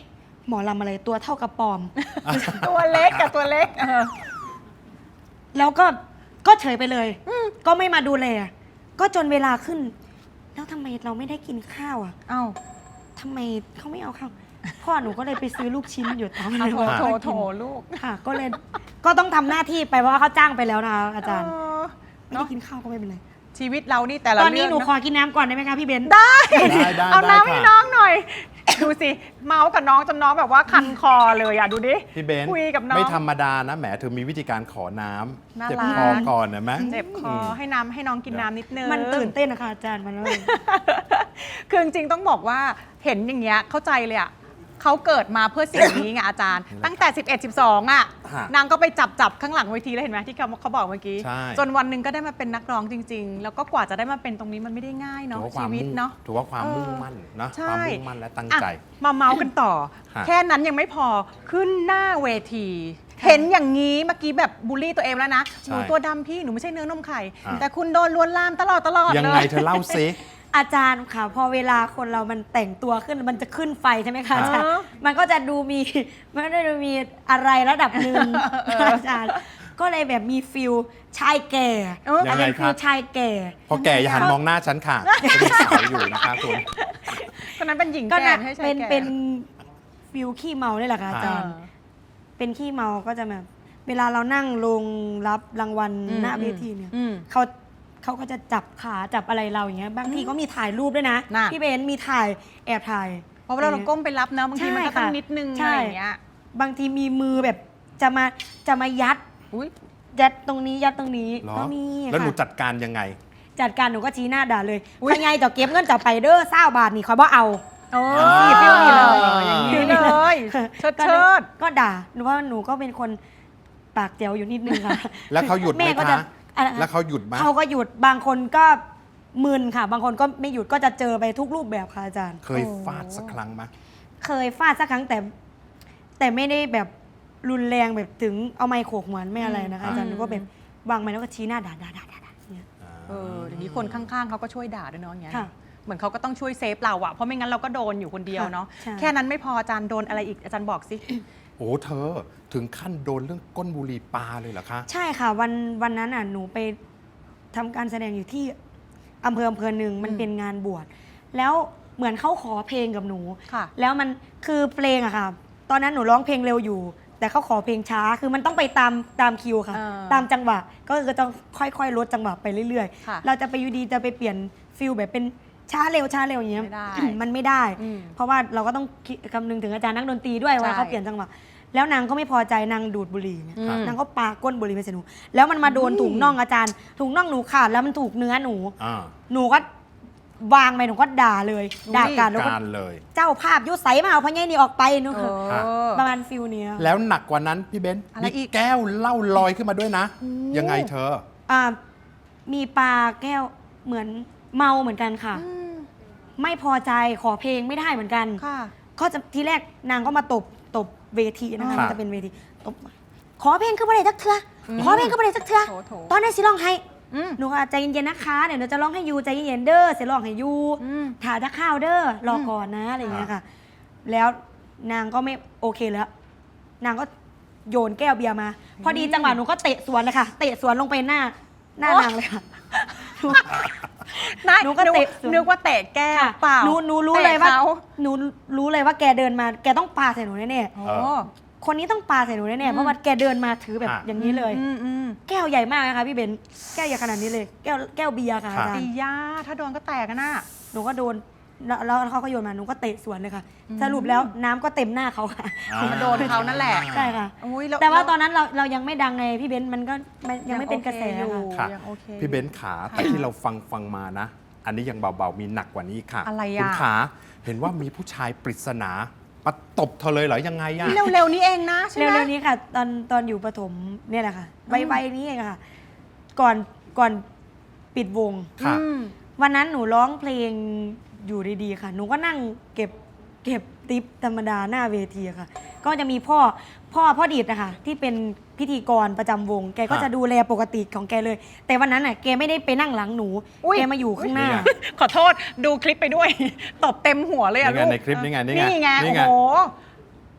Speaker 4: หมอลำอะไรตัวเท่ากระปอม
Speaker 5: ตัวเล็กกับตัวเล็ก
Speaker 4: แล้วก็เฉยไปเลยก็ไม่มาดูแลก็จนเวลาขึ้น แล้วทำไมเราไม่ได้กินข้าวอ่ะ
Speaker 5: เอ้า
Speaker 4: ทำไมเขาไม่เอาข้าวพ่อหนูก็เลยไปซื้อลูกชิ้นอยู่ตาม
Speaker 5: โถลูก
Speaker 4: ค่ะ ก็เลยก็ต้องทำหน้าที่ไปเพราะว่าเขาจ้างไปแล้วนะคะอาจารย์ ไม่
Speaker 5: เนาะ
Speaker 4: ได้กินข้าวก็ไม่เป็นไร
Speaker 5: ชีวิตเรานี่แต่ละ
Speaker 4: ตอนนี้
Speaker 5: เรื่
Speaker 4: หนู
Speaker 5: งะ
Speaker 4: ขอกินน้ำก่อนได้ไหมคะพี่เบน
Speaker 5: ได้
Speaker 2: ได้
Speaker 5: เอาน้ำให้
Speaker 2: ค่ะ
Speaker 5: น้องหน่อย ดูสิ เมาส์กับน้องจนน้องแบบว่าคันคอเลยอ่ะ ดูดิ
Speaker 2: พี่เบนซ์
Speaker 5: คุยกับน้อง
Speaker 2: ไม่ธรรมดานะแหมเธอมีวิธีการขอน้
Speaker 5: น่า
Speaker 2: ำเจ็บ
Speaker 5: รัก
Speaker 2: คอก่อนนะไหม
Speaker 5: เจ็บคอให้น้องกินน้ำนิดนึง
Speaker 4: มันตื่นเต้นนะคะอาจารย์มันเลย
Speaker 5: คือจริงๆต้องบอกว่าเห็นอย่างเงี้ยเข้าใจเลยอ่ะเขาเกิดมาเพื่อสิ่งนี้ไงอาจารย์ ตั้งแต่ 11 12 อ่ะ
Speaker 2: ฮะ
Speaker 5: นางก็ไปจับข้างหลังเวทีแล้วเห็นไหมที่เขาบอกเมื่อกี้
Speaker 2: ใช่
Speaker 5: จนวันหนึ่งก็ได้มาเป็นนักร้องจริง ๆ แล้วก็กว่าจะได้มาเป็นตรงนี้มันไม่ได้ง่าย
Speaker 2: ถื
Speaker 5: เนาะ
Speaker 2: อว่าควา
Speaker 5: ชี
Speaker 2: ม
Speaker 5: วิต
Speaker 2: มุ่ง
Speaker 5: เนาะ
Speaker 2: ถือว่าความ
Speaker 5: เออ
Speaker 2: มุ่งมั่นนะ
Speaker 5: ใช่
Speaker 2: ความมุ่งมั่นและตั้งใจ
Speaker 5: อ่ะมาเมาส์กันต่อ
Speaker 2: ฮะ
Speaker 5: แค่นั้นยังไม่พอขึ้นหน้าเวที เห็นอย่างนี้เมื่อกี้แบบบูลลี่ตัวเองแล้วนะหนูตัวดำพี่หนูไม่ใช่เนื้อนมไข่ แต่คุณโดนลวนลามตลอดเลย
Speaker 2: ยังไงเธอเล่าซิ
Speaker 4: อาจารย์ค่ะ พอเวลาคนเรามันแต่งตัวขึ้นมันจะขึ้นไฟใช่ไหมคะอาจารย์
Speaker 5: เออ
Speaker 4: มันก็จะดูมีมันก็จะดูมีอะไรระดับหนึ่งอาจารย์ ก็เลยแบบมีฟิลชายแก่
Speaker 2: ยังไง
Speaker 4: เป็น
Speaker 2: ค
Speaker 4: ฟิ
Speaker 2: รั
Speaker 4: ล
Speaker 2: บ
Speaker 4: ชายแก่
Speaker 2: พอแก่อย่าหันมองหน้าฉันค่ะจะมีสาวอยู่นะคะคุณ
Speaker 5: คนนั้นเป็นหญิง
Speaker 4: ก็
Speaker 5: แก่
Speaker 4: นะ
Speaker 5: ให้ชาย
Speaker 4: เป็น
Speaker 5: แก่
Speaker 4: เป็นฟิลขี้เมาเนี่ยแหละค่ะอาจารย์
Speaker 5: อ่า
Speaker 4: เป็นขี้เมาก็จะแบบเวลาเรานั่งลงรับรางวัลหน้าเวทีเนี่ย
Speaker 5: อืม
Speaker 4: เขาก็จะจับขาจับอะไรเราอย่างเงี้ยบางทีก็มีถ่ายรูปด้วยนะ
Speaker 5: น่ะ
Speaker 4: พี่เบนซ์มีถ่ายแอบถ่าย
Speaker 5: เพราะเวลาเราก้มไปรับเนอะบางทีมันก็ต้องนิดนึง
Speaker 4: ใช่
Speaker 5: อะไรอย่างเงี้ย
Speaker 4: บางทีมีมือแบบจะมายัด
Speaker 5: อุ้ย
Speaker 4: ยัดตรงนี้ยัดตรงนี้
Speaker 2: เหรอ
Speaker 4: ก็มี
Speaker 2: แล้วหนู
Speaker 4: ค่ะ
Speaker 2: จัดการยังไง
Speaker 4: จัดการหนูก็ชี้หน้าด่าเลย
Speaker 5: อุ๊ย
Speaker 4: พยายจะเก็บเงินจะไปเด้อ20 บาทนี่เขาบ่เอา
Speaker 5: โอ้
Speaker 4: นี่ฟิลนี้เลย
Speaker 5: อย่างนี้เลยเชิด
Speaker 4: ก็
Speaker 5: เชิด
Speaker 4: ก็ด่าหนูว่าหนูก็เป็นคนปากแจ๋วอยู่นิดนึงค่ะ
Speaker 2: แล้วเขาหยุดไหม
Speaker 4: แม่ก็จะ
Speaker 2: คะ
Speaker 4: อะไร
Speaker 2: แล้วเขาหยุดไหม
Speaker 4: เขาก็หยุดบางคนก็มึนค่ะ บางคนก็ไม่หยุดก็จะเจอไปทุกรูปแบบค่ะอาจารย์
Speaker 2: เคยฟาดสักครั้งไหม
Speaker 4: เคยฟาดสักครั้งแต่ไม่ได้แบบรุนแรงแบบถึงเอาไม้โขกเหมือนไม่อะไรนะคะอาจารย์หนูก็แบบวางไม้แล้วก็ชี้หน้าด่าเนี่ย
Speaker 5: อย่างนี้คนข้างๆเขาก็ช่วยด่าด้วยเนาะอย่างเงี้ย
Speaker 4: ค่ะ
Speaker 5: เหมือนเขาก็ต้องช่วยเซฟเราอะเพราะไม่งั้นเราก็โดนอยู่คนเดียวเนาะ
Speaker 4: ใช่
Speaker 5: แค่นั้นไม่พออาจารย์โดนอะไรอีกอาจารย์บอกสิ
Speaker 2: โอ้เธอถึงขั้นโดนเรื่องก้นบุหรี่ปลาเลยเหรอคะ
Speaker 4: ใช่ค่ะวันนั้นหนูไปทำการแสดงอยู่ที่อำเภอหนึ่งมันเป็นงานบวชแล้วเหมือนเขาขอเพลงกับหนู
Speaker 5: ค่ะ
Speaker 4: แล้วมันคือเพลงอะค่ะ ตอนนั้นหนูร้องเพลงเร็วอยู่ แต่เขาขอเพลงช้าคือมันต้องไปตามคิวค่ะ ตามจังหวะก็คือต้องค่อยๆลดจังหวะไปเรื่อย
Speaker 5: ค่ะ
Speaker 4: ๆ เราจะไปอยู่ดีจะไปเปลี่ยนฟิลแบบเป็นช้าเร็วอย่างเงี้ย
Speaker 5: ไม่ได้
Speaker 4: มันไม่ได้
Speaker 5: อืม
Speaker 4: เพราะว่าเราก็ต้องคำนึงถึงอาจารย์นักดนตรีด้วยว่า
Speaker 5: ใช่
Speaker 4: เขาเปลี่ยนจังหวะแล้วนางก็ไม่พอใจนางดูดบุหรี่เนี่ย
Speaker 5: อืม
Speaker 4: นางก็ปาก้นบุหรี่ไปใส่หนูแล้วมันมาโดนถุงน่องอาจารย์ถุงน่องหนูขาดแล้วมันถูกเนื้อหนู
Speaker 2: อ่า
Speaker 4: หนูก็วางไปหนูก็ด่าเลยด่าการแล้วก็
Speaker 2: การเลย
Speaker 4: เจ้าภาพยุใสมาเอาพญานี่ออกไปหนู
Speaker 5: เออ
Speaker 4: ประมาณฟิลเนี้ย
Speaker 2: แล้วหนักกว่านั้นพี่เบนซ์
Speaker 5: อะไร
Speaker 2: มี
Speaker 5: อีก
Speaker 2: แก้วเหล้าลอยขึ้นมาด้วยนะ ยังไงเธอ
Speaker 4: อ่ามีปลาแก้วเหมือนเมาเหมือนกันค่ะ
Speaker 5: อืม
Speaker 4: ไม่พอใจขอเพลงไม่ได้เหมือนกัน
Speaker 5: ค่ะ
Speaker 4: ก็จะทีแรกนางก็มาตบเวทีนะคะ
Speaker 2: ค่ะ
Speaker 4: มันจะเป็นเวทีตบขอเพลงก็ไม่ได้จักเทื่อขอเพลงก็ไม่ได้จักเทื่อ
Speaker 5: โถ
Speaker 4: ตอนนั้นสิร้องให้
Speaker 5: อืม
Speaker 4: หนูก็ใจเย็นๆนะคะเดี๋ยวหนูจะร้องให้ยูใจเย็นๆเด้อเสียร้องให้ยู
Speaker 5: อืม
Speaker 4: ถ่ายจะข้าวเด้อรอก่อนนะอะไรอย่างเงี้ยค่ะ แล้วนางก็ไม่โอเคแล้ว นางก็โยนแก้วเบียร์มา พอดีจังหวะหนูก็เตะสวนเลยค่ะ เตะสวนลงไปหน้านางเลยค่ะ
Speaker 5: นาย
Speaker 4: หนูก็เตะสวน
Speaker 5: นึกว่าเตะแก้วเปล่า
Speaker 4: หนูรู้เลยว่า
Speaker 5: ตะข
Speaker 4: หนูรู้เลยว่าแกเดินมาแกต้องปาใส่หนูแน่
Speaker 5: โอ้
Speaker 4: ๆคนนี้ต้องปาใส่หนูแน่ๆเพราะว่าแกเดินมาถือแบบ
Speaker 2: อ่ะ
Speaker 4: อย่างนี้เลย
Speaker 5: อืม
Speaker 4: แก้วใหญ่มากนะคะพี่เบนแก้วใหญ่ขนาดนี้เลย แก้วเบียร์ค่ะอาจาร
Speaker 5: ปี
Speaker 4: ย์
Speaker 5: ย่าถ้าโดนก็แตกกันน่ะ
Speaker 4: หนูก็โดนแล้วเขาก็โยนมาหนูก็เตะสวนเลยค่ะ สรุปแล้วน้ำก็เต็มหน้าเขาค่ะ
Speaker 5: มาโดนเขานั่นแหละ
Speaker 4: ใช่ค่ะ
Speaker 5: อุ๊ย
Speaker 4: แต่ว่าตอนนั้นเรายังไม่ดังไงพี่เบนซ์มันก็ยังไม่เป็นกระแส
Speaker 5: อยู่
Speaker 4: ค่ะ
Speaker 2: ค่ะ
Speaker 5: ยังโอเค
Speaker 2: พี่เบนซ์ขาแต่ที่เราฟังมานะ อันนี้ยังเบาๆมีหนักกว่านี้ค่ะ
Speaker 5: อะไร
Speaker 2: คุณ
Speaker 5: อ่ะ
Speaker 2: ขาเห็นว่ามีผู้ชายปริศนามาตบเธอเลยเหรอยังไงอะ
Speaker 5: เร็วๆนี้เองนะใช่ไหม
Speaker 4: เร็วๆนี้ค่ะ ตอนอยู่ประถมเนี่ยแหละค่ะวัยนี้เองค่ะ ก่อนปิดวง
Speaker 2: ค่ะ
Speaker 5: อืม
Speaker 4: วันนั้นหนูร้องเพลงอยู่ดีๆค่ะ หนูก็นั่งเก็บติปธรรมดาหน้าเวทีอะค่ะ ก็จะมีพ่อดิดนะคะที่เป็นพิธีกรประจำวง แกก็
Speaker 2: ฮะ
Speaker 4: จะดูแลปกติของแกเลย แต่วันนั้นน่ะแกไม่ได้ไปนั่งหลังหนู
Speaker 5: อุ๊ย
Speaker 4: แกมาอยู่ข้างหน้า
Speaker 2: นี่ไง
Speaker 5: ขอโทษดูคลิปไปด้วย ตบเต็มหัวเลยอะ
Speaker 2: นี่ไง
Speaker 5: ลูก
Speaker 2: ในคลิปนี่ไง
Speaker 5: นี่ไง
Speaker 2: นี่
Speaker 5: โอ้
Speaker 2: ไง
Speaker 5: โห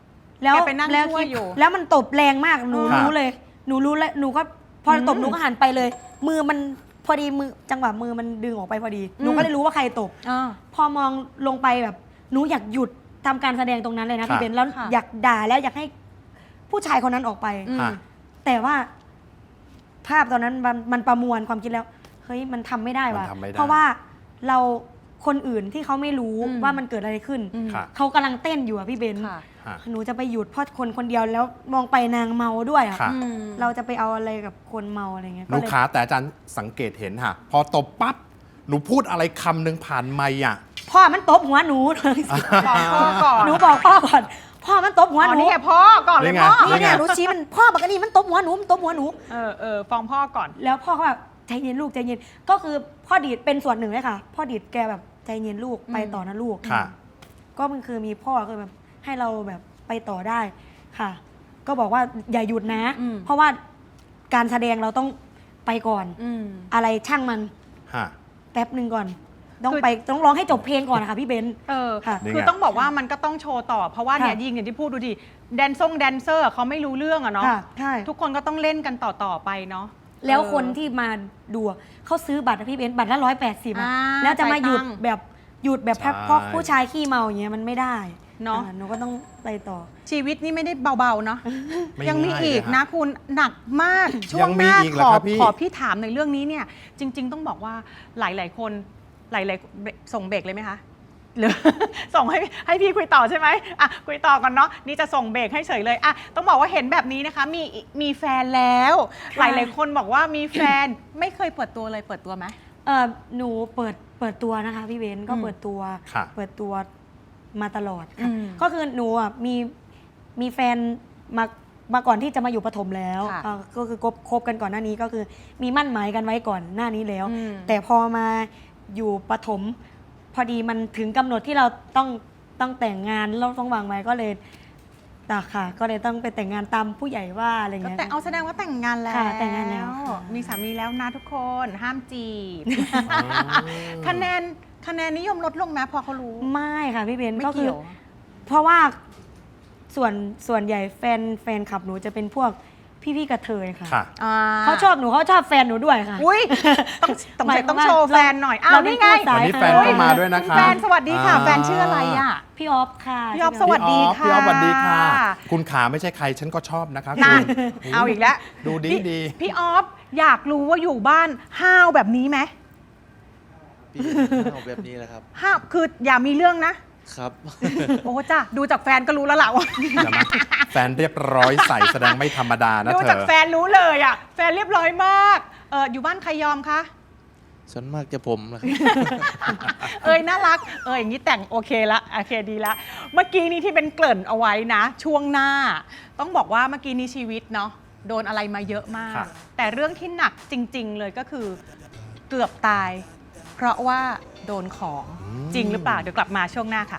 Speaker 4: แล้ว
Speaker 5: แกไปนั่ง
Speaker 4: แล้ว
Speaker 5: ช่วยอยู่
Speaker 4: แล้วมันตบแรงมากหนู
Speaker 2: ครับ
Speaker 4: รู้เลยหนูรู้แล้วหนูก็พอตบหนูก็หันไปเลย มือมันพอดีมือจังหวะมือมันดึงออกไปพอดีหนูก็เลยรู้ว่าใครตบ พอมองลงไปแบบหนูอยากหยุดทำการแสดงตรงนั้นเลยนะ
Speaker 2: ค่ะ
Speaker 4: พี่เบนแล้ว
Speaker 5: ค่ะ
Speaker 4: อยากด่าแล้วอยากให้ผู้ชายคนนั้นออกไป
Speaker 2: ค่ะ
Speaker 4: แต่ว่าภาพตอนนั้นมันประมวลความคิดแล้วเฮ้ยมันทำไม่ได้ว่ะ
Speaker 2: มันทำไม่ได้
Speaker 4: เพราะว่าเราคนอื่นที่เขาไม่รู้
Speaker 5: อืม
Speaker 4: ว่ามันเกิดอะไรขึ้น
Speaker 2: ค่ะ
Speaker 4: เขากำลังเต้นอยู่อะพี่เบน
Speaker 5: ค่ะ
Speaker 2: ค่ะ
Speaker 4: หนูจะไปหยุดเพราะคนคนเดียวแล้วมองไปนางเมาด้วยอะ
Speaker 2: ค่ะ
Speaker 4: เราจะไปเอาอะไรกับคนเมาอะไรเงี้ย
Speaker 2: หนู
Speaker 4: ก็เลย
Speaker 2: ขาแต่อาจารย์สังเกตเห็นค่ะ พอตบปั๊บหนูพูดอะไรคำหนึ่งผ่านไมค์อ่ะ
Speaker 4: พ่อมันตบหัวหนู
Speaker 5: บอกพ่อก่อน
Speaker 4: หนูบอกพ่อก่อน พ่อมันตบหัว
Speaker 5: อ๋
Speaker 4: ห
Speaker 5: อ
Speaker 4: นู
Speaker 5: นี่ไงพ่อก่อนเลย
Speaker 2: นี่ไง
Speaker 5: พ่อ
Speaker 4: นี่เนี่ยหนูชี้มันพ่อบอกกันนี่มันตบหัวหนูมันตบหัวหนู
Speaker 5: ฟ้องพ่อก่อน
Speaker 4: แล้วพ่อก็แบบใจเย็นลูกใจเย็นก็คือพ่อดีดเป็นส่วนหนึ่งเลยค่ะ พ่อดีดแกแบบใจเย็นลูกไปต่อนะลูก
Speaker 2: ค่ะ
Speaker 4: ก็มันคือมีพ่อคือแบบให้เราแบบไปต่อได้ค่ะ ก็บอกว่าอย่าหยุดนะ
Speaker 5: อืม
Speaker 4: เพราะว่าการแสดงเราต้องไปก่อน
Speaker 5: อืม
Speaker 4: อะไรช่างมัน
Speaker 2: ค่ะ
Speaker 4: แป๊บหนึ่งก่อน ต้อง
Speaker 5: คือ
Speaker 4: ไปต้องร้องให้จบเพลงก่อนนะคะพี่เบนซ์ ค่ะ
Speaker 2: นี่ไง
Speaker 5: คือต้องบอกว่ามันก็ต้องโชว์ต่อ เพราะว่าเนี่ย
Speaker 4: ค่ะ
Speaker 5: ยิงอย่างที่พูดดูดิแดนเซอร์เขาไม่รู้เรื่องอะเนาะ
Speaker 4: ค่ะใช่
Speaker 5: ทุกคนก็ต้องเล่นกันต่อไปเนาะ
Speaker 4: แล้วคนที่มาดูอะเขาซื้อบัตรนะพี่เบนซ์บัตรละ180
Speaker 5: อ่า
Speaker 4: แล้วจะมาหยุด
Speaker 5: จ่ายตังค์
Speaker 4: แบบหยุดแบบ
Speaker 2: ใช่
Speaker 4: เพราะผู้ชายขี้เมาอย่างเงี้ยมันไม่ได้
Speaker 5: เนอะ
Speaker 4: หนูก็ต้องไปต่อ
Speaker 5: ชีวิตนี่ไม่ได้เบาๆเนาะ
Speaker 2: ไม่
Speaker 5: ยังมี
Speaker 2: ง่าย
Speaker 5: อีก
Speaker 2: เลยฮะ
Speaker 5: นะคุณหนักมาก ช่ว
Speaker 2: ยัง ง
Speaker 5: ห
Speaker 2: มี
Speaker 5: น้า
Speaker 2: อีกเหรอ
Speaker 5: ขอ
Speaker 2: ครับพี่
Speaker 5: ขอพี่ถามในเรื่องนี้เนี่ยจริง ๆ ต้องบอกว่าหลายๆคนหลายๆส่งเบรกเลยไหมคะหรือ ส่งให้พี่คุยต่อใช่ไหมอ่ะคุยต่อก่อนเนาะนี่จะส่งเบรกให้เฉยเลยอ่ะต้องบอกว่าเห็นแบบนี้นะคะมีแฟนแล้ว หลายๆคนบอกว่ามีแฟน ไม่เคยเปิดตัวเลยเปิดตัวไหม
Speaker 4: หนูเปิดตัวนะคะพี่เบนซ์ก็
Speaker 5: อืม
Speaker 4: เปิดตัว
Speaker 2: ค่ะ
Speaker 4: เปิดตัวมาตลอด
Speaker 5: อื
Speaker 4: ค่ะ
Speaker 5: ม
Speaker 4: ก็คือหนูอ่ะมีแฟนมาก่อนที่จะมาอยู่ปฐมแล้ว
Speaker 5: ค่ะ
Speaker 4: ก็คือคบกันก่อนหน้านี้ก็คือมีมั่นหมายกันไว้ก่อนหน้านี้แล้ว
Speaker 5: อืม
Speaker 4: แต่พอมาอยู่ปฐมพอดีมันถึงกำหนดที่เราต้องแต่งงานเราต้องวางไว้ก็เลยค่ะ ก็เลยต้องไปแต่งงานตามผู้ใหญ่ว่าอะไร
Speaker 5: ก็
Speaker 4: เงี้ย
Speaker 5: แต่เอาแสดงว่าแต่งงานแล้ว
Speaker 4: ค่ะแต่งงานแล้วค่ะ
Speaker 5: มีสามีแล้วนะทุกคนห้ามจีบ คะแนนนิยมลดลงไหมพอเขารู้
Speaker 4: ไม่ค่ะพี่เบน
Speaker 5: ไม่
Speaker 4: ก็คือ
Speaker 5: เกี่ยว
Speaker 4: เพราะว่าส่วนใหญ่แฟนคลับหนูจะเป็นพวกพี่กระเทยค่ะ
Speaker 2: ค่ะ
Speaker 4: เขาชอบหนูเขาชอบแฟนหนูด้วยค่ะ
Speaker 5: อุ้ยต้อง
Speaker 4: หมายความ
Speaker 5: ต้อง
Speaker 4: ว่า
Speaker 5: โชว์แฟนหน่อยอ้าว
Speaker 4: เราเป็
Speaker 5: นี่
Speaker 4: น
Speaker 5: ไง
Speaker 4: ผู้สาย
Speaker 2: วันนี้แฟนก็มาด้วยนะคะ
Speaker 5: แฟนสวัสดีค่ะแฟนชื่ออะไรอ่ะ
Speaker 4: พี่ออฟค่ะ
Speaker 5: พี่ออฟสวัสดีค่ะ
Speaker 2: พี่ออฟสวัสดีค่ะ คุณขาไม่ใช่ใครฉันก็ชอบนะคะ
Speaker 5: นั่น
Speaker 2: คุณ
Speaker 5: เอาอีกแล้ว
Speaker 2: ดูดี
Speaker 5: พี่
Speaker 2: ดี
Speaker 5: พี่ออฟอยากรู้ว่าอยู่บ้านห้าวแบบนี้ไหม
Speaker 6: พี่เอาแบบนี้แหละครับ
Speaker 5: ห้าวคืออย่ามีเรื่องนะ
Speaker 6: ครับ
Speaker 5: โอ้จ้ะดูจากแฟนก็รู้แล้วล่ะว่า
Speaker 2: เดี๋ยวนะแฟนเรียบร้อยใส่แสดงไม่ธรรมดานะ
Speaker 5: ดู
Speaker 2: เธ
Speaker 5: จาก
Speaker 2: อ
Speaker 5: แฟนรู้เลยอ่ะ แฟนเรียบร้อยมากอยู่บ้านใครยอมคะ
Speaker 6: ส่วนมากจะผมนะครับ
Speaker 5: น่ารักอย่างนี้แต่งโอเคละโอเคดีละเมื่อกี้นี้ที่เป็นเกริ่นเอาไว้นะ ช่วงหน้า ต้องบอกว่าเมื่อกี้นี้ชีวิตเนาะโดนอะไรมาเยอะมาก
Speaker 2: ครับ
Speaker 5: แต่เรื่องที่หนักจริง ๆ เลยก็คือเกือบตาย เพราะว่าโดนของจริงหรือเปล่าเดี๋ยวกลับมาช่วงหน้าค่ะ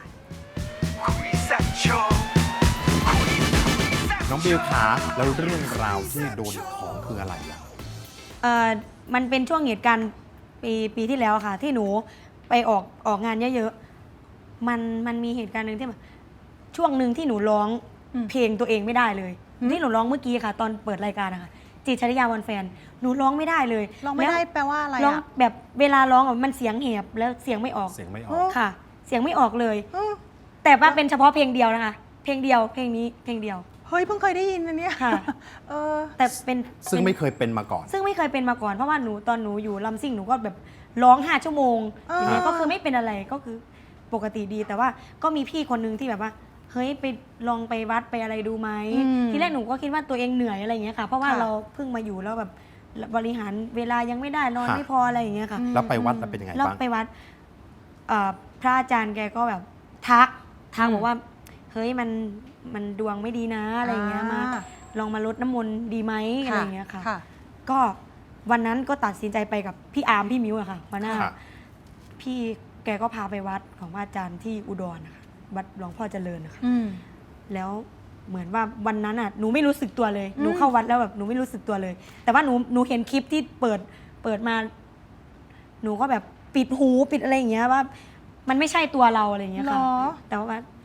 Speaker 2: น้องบิวขาแล้วเรื่องราวที่โดนของคืออะไรอ่ะ
Speaker 4: มันเป็นช่วงเหตุการณ์ปีที่แล้วค่ะ ที่หนูไปออกงานเยอะๆมันมีเหตุการณ์หนึ่งที่แบบช่วงหนึ่งที่หนูร้องเพลงตัวเองไม่ได้เลยที่หนูร้องเมื่อกี้ค่ะ ตอนเปิดรายการนะคะจิตรชริยาวันแฟนหนูร้องไม่ได้เลย
Speaker 5: ร้องไม่ได้
Speaker 4: แล้ว
Speaker 5: แปลว่าอะไร
Speaker 4: ร้อง
Speaker 5: อ่ะ
Speaker 4: แบบเวลาร้องอะมันเสียงแหบแล้วเสียงไม่ออก
Speaker 2: เสียงไม่ออก
Speaker 4: ค่ะ เสียงไม่ออกเลย
Speaker 5: อืม
Speaker 4: แต่ว่าเป็นเฉพาะเพลงเดียวนะคะ เพลงเดียวเพลงนี้เพลงเดียว
Speaker 5: เฮ้ยเพิ่งเคยได้ยินนะเนี่ย
Speaker 4: ค่ะ
Speaker 5: เออ
Speaker 4: แต่เป็น
Speaker 2: ซึ่งไม่เคยเป็นมาก่อน
Speaker 4: ซึ่งไม่เคยเป็นมาก่อนเพราะว่าตอนหนูอยู่ลำซิ่งหนูก็แบบร้อง5 ชั่วโมงอย่างเงี้ยก็คือไม่เป็นอะไรก็คือปกติดี แต่ว่าก็มีพี่คนนึงที่แบบว่าเฮ้ยไปลองไปวัดไปอะไรดูไหมทีแรกหนูก็คิดว่าตัวเองเหนื่อยอะไรอย่างเงี้ยค่ะเพราะว่าเราเพิ่งมาอยู่แล้วแบบบริหารเวลายังไม่ได้นอน
Speaker 2: ค่ะ
Speaker 4: ไม่พออะไรอย่างเงี้ยค่ะ
Speaker 2: แล้วไปวัดแล้วเป็นยังไง
Speaker 4: แล้ว
Speaker 2: บ้าง
Speaker 4: ไปวัดพระอาจารย์แกก็แบบทักบอกว่าเฮ้ยมันดวงไม่ดีนะอะไรอย่างเงี้ยมาลองมาลดน้ำมนต์ดีไหมอะไรอย่างเงี้ยค่ะ ก็วันนั้นก็ตัดสินใจไปกับพี่อาร์มพี่มิวอะค่ะหัวหน้า
Speaker 2: ค่ะ
Speaker 4: พี่แกก็พาไปวัดของพระอาจารย์ที่อุดรนะคะวัดหลวงพ่อเจริญนะคะ
Speaker 5: อืม
Speaker 4: แล้วเหมือนว่าวันนั้นอ่ะหนูไม่รู้สึกตัวเลยหนูเข้าวัดแล้วแบบหนูไม่รู้สึกตัวเลย แต่ว่าหนูเห็นคลิปที่เปิดมา หนูก็แบบปิดหูปิดอะไรอย่างเงี้ยว่า มันไม่ใช่ตัวเราอะไรอย่างเงี้ยค่ะ
Speaker 5: หรอ
Speaker 4: แต่ว่า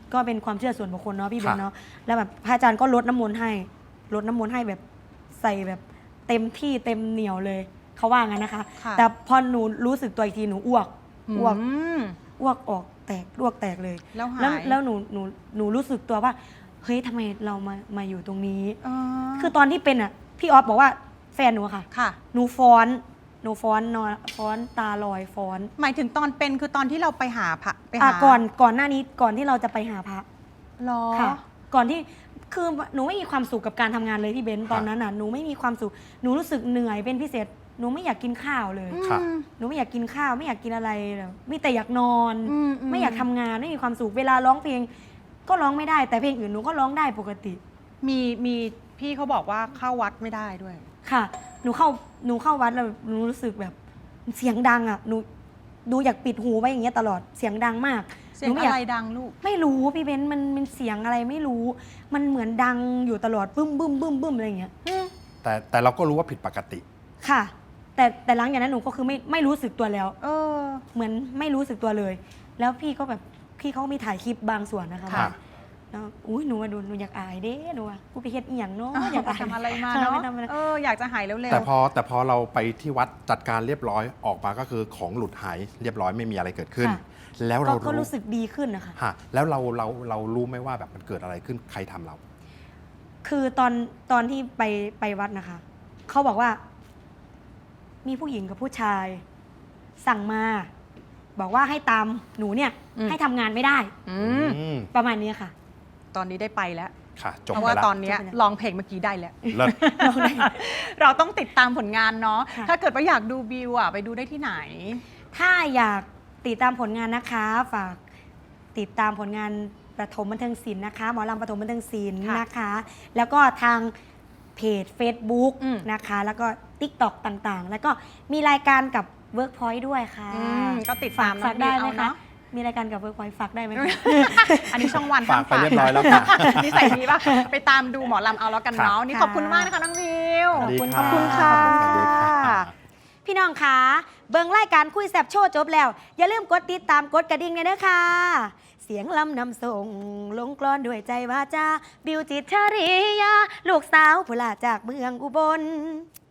Speaker 4: ก็เป็นความเชื่อส่วนบุคคลเนาะพี่เบน
Speaker 2: ค่ะ
Speaker 4: เนาะแล้วแบบพระอาจารย์ก็ลดน้ำมนต์ให้แบบใส่แบบเต็มที่เต็มเหนียวเลยเขาว่างั้นนะคะ
Speaker 5: ค่ะ
Speaker 4: แต่พอหนูรู้สึกตัวอีกทีหนูอ้วก
Speaker 5: อืม
Speaker 4: อ้วกออกแตกอ้วกแตกเลย
Speaker 5: แล้วหาย
Speaker 4: แล้วหนูรู้สึกตัวว่าเฮ้ยทำไมเรามาอยู่ตรงนี้
Speaker 5: อ๋อ
Speaker 4: คือตอนที่เป็นอ่ะพี่ออฟบอกว่าแฟนหนูอะค่ะ
Speaker 5: ค่ะ
Speaker 4: หนูฟ้อนนอนฟ้อนตาลอยฟ้อน
Speaker 5: หมายถึงตอนเป็นคือตอนที่เราไปหาพระไป
Speaker 4: อ่ะ
Speaker 5: หา
Speaker 4: ก่อนหน้านี้ก่อนที่เราจะไปหาพระ
Speaker 5: หรอ
Speaker 4: ค่ะ ก่อนที่คือหนูไม่มีความสุขกับการทำงานเลยพี่เบนซ์ตอนนั้นน่ะหนูไม่มีความสุขหนูรู้สึกเหนื่อยเป็นพิเศษหนูไม่อยากกินข้าวเลย
Speaker 2: ค่ะ
Speaker 4: หนูไม่อยากกินข้าวไม่อยากกินอะไรเลยมีแต่อยากนอน
Speaker 5: อืม
Speaker 4: ไม่อยากทำงานไม่มีความสุขเวลาร้องเพลง ก็ร้องไม่ได้แต่เพลงอื่นหนูก็ร้องได้ปกติ
Speaker 5: มีพี่เขาบอกว่าเข้าวัดไม่ได้ด้วย
Speaker 4: ค่ะ หนูเข้าวัดแล้วหนูรู้สึกแบบเสียงดังอ่ะหนูอยากปิดหูไว้อย่างเงี้ยตลอดเสียงดังมาก
Speaker 5: เสีย
Speaker 4: ห
Speaker 5: ง
Speaker 4: นูไม่
Speaker 5: อะ
Speaker 4: อยาก
Speaker 5: ไรดังลูก
Speaker 4: ไม่รู้พี่เบนซ์มันเสียงอะไรไม่รู้ มันเหมือนดังอยู่ตลอดบึ้มบึ้มบึ้มบึ้มอะไรอย่างเงี้ย
Speaker 2: แต่เราก็รู้ว่าผิดปกติ
Speaker 4: ค่ะ แต่หลังจากนั้นหนูก็คือไม่รู้สึกตัวแล้ว
Speaker 5: เออ
Speaker 4: เหมือนไม่รู้สึกตัวเลย แล้วพี่ก็แบบพี่เขามีถ่ายคลิปบางส่วนนะคะ
Speaker 2: ค่ะ
Speaker 4: แล้วอุ้ยหนูว่าหนูอยากอายเด้หนูว่ากูไปเฮ็ดอีหยังเนาะอยาก
Speaker 5: ไป
Speaker 4: อาย
Speaker 5: ทำอะไรมา
Speaker 4: ค่
Speaker 5: เนาะ
Speaker 4: ไปทำอะไร
Speaker 5: อยากจะหายเร็วๆ
Speaker 2: แต่พอเราไปที่วัดจัดการเรียบร้อยออกมาก็คือของหลุดหายเรียบร้อยไม่มีอะไรเกิดขึ้น
Speaker 4: ค่ะ
Speaker 2: แล้ว
Speaker 4: ก็
Speaker 2: เรา
Speaker 4: ก็รู้สึกดีขึ้นนะคะ
Speaker 2: ฮะแล้วเรารู้ไหมว่าแบบมันเกิดอะไรขึ้นใครทำเรา
Speaker 4: คือตอนที่ไปวัดนะคะ เขาบอกว่า มีผู้หญิงกับผู้ชาย สั่งมา บอกว่าให้ตามหนูเนี่ย ให้ทำงานไม่ได้
Speaker 5: อืม
Speaker 2: อืม
Speaker 4: ประมาณนี้ค่ะ
Speaker 5: ตอนนี้ได้ไปแล้ว
Speaker 2: ค่ะจบ
Speaker 5: เพราะ
Speaker 2: ไป
Speaker 5: ว่า
Speaker 2: แล้ว
Speaker 5: ตอนเนี้ย
Speaker 4: จบไปแล้ว
Speaker 5: ร้องเพลงเมื่อกี้ได้แล้ว
Speaker 2: เลิศ
Speaker 5: เราต้องติดตามผลงานเนาะ
Speaker 4: ค่ะ
Speaker 5: ถ้าเกิดว่าอยากดูบิวไปดูได้ที่ไหน
Speaker 4: ถ้าอยากติดตามผลงานนะคะ ฝากติดตามผลงานประถมบันเทิงศิลป์นะคะ หมอลำประถมบันเทิงศิลป์
Speaker 5: ค่ะ
Speaker 4: นะคะ แล้วก็ทางเพจ Facebook
Speaker 5: อืม
Speaker 4: นะคะ แล้วก็ TikTok ต่างๆ แล้วก็มีรายการกับ Workpoint ด้วยค่ะ
Speaker 5: ก็ติดตาม
Speaker 4: ฝากได้ไหม
Speaker 5: น้องบิวเอา
Speaker 4: คะ
Speaker 5: เนาะ
Speaker 4: มีรายการกับ Workpoint ฝากได้ไหมคะ
Speaker 5: อันนี้ช่องวัน
Speaker 2: ฝากไปเรียบร้อยแล้วค่ะ
Speaker 5: นิสัยดีป่ะ ไปตามดูหมอลำเอาแล้วกันเนาะ
Speaker 2: ค่ะ
Speaker 5: นี่ขอบคุณมากนะคะน้องบิว
Speaker 2: สวัสดี
Speaker 4: ขอบคุณ
Speaker 2: รั
Speaker 4: ขอบคุณค่ะ
Speaker 2: สวัสดีค่ะ
Speaker 4: พี่น้องคะเบิ่งรายการคุยแซบโชว์จบแล้ว อย่าลืมกดติดตามกดกระดิ่งเลยเด้อค่ะ เสียงลำนำส่ง ลงกลอนด้วยใจวาจา บิวจิตรชริยา ลูกสาวผู้ลาจากเมืองอุบล